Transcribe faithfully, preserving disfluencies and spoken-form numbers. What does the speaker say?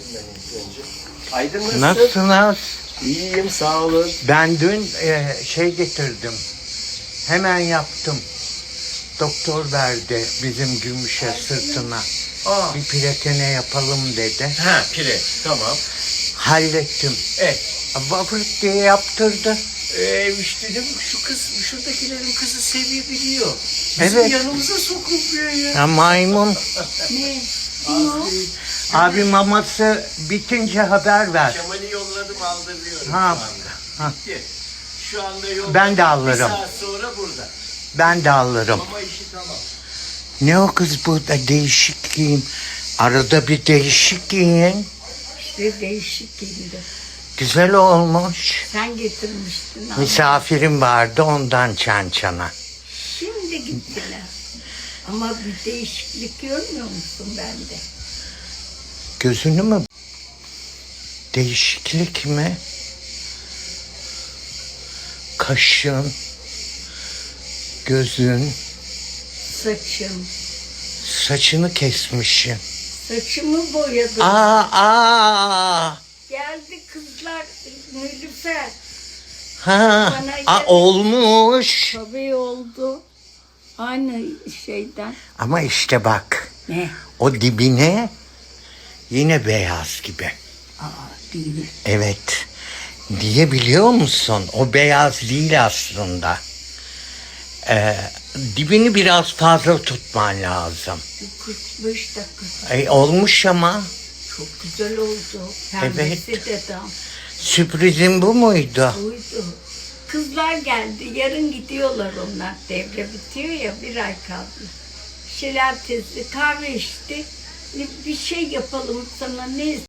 ben ilk önce. Aydın nasılsın? Nasılsınız? İyiyim, sağ olun. Ben dün e, şey getirdim. Hemen yaptım. Doktor verdi bizim Gümüş'e sırtına. Aa. Bir platine yapalım dedi. Ha, pire. Tamam. Hallettim. Evet. Vafrit diye yaptırdı. Ee, işte dedim şu kız, şuradakilerin kızı sevebiliyor. Bizim Evet. yanımıza sokulmuyor ya. Ha, maymun. Ne? Abi maması bitince haber ver. Kemal'i yolladım, aldırıyorum Ha, şu anda. ha. Bitti. Şu anda yolladım. Ben de alırım. Bir saat sonra burada. Ben de alırım. Ama işi tamam. Ne o kız burada değişik giyin. Arada bir değişik giyin. İşte değişik giyindi. Güzel olmuş. Sen getirmiştin ama. Misafirim vardı ondan çan çana. Şimdi gittiler. Ama bir değişiklik görmüyor musun bende? Gözünü mü? Değişiklik mi? Kaşın, gözün, Saçım. saçını kesmişsin. Saçımı boyadım. Aa, aa. Geldi kızlar Nilüfer. Ha, Bana aa, gel- olmuş. Tabii oldu. Aynı şeyden. Ama işte bak, Ne? o dibine yine beyaz gibi. Aa değil. Evet. Niye biliyor musun? O beyaz değil aslında. Ee, dibini biraz fazla tutman lazım. kırk beş dakika. Ay, olmuş ama. Çok güzel oldu. Pembesi de tam. Sürprizin bu muydu? Buydu. Kızlar geldi. Yarın gidiyorlar onlar. Devre bitiyor ya, bir ay kaldı. Şelaltesi kahve içti. Bir şey yapalım sana, ne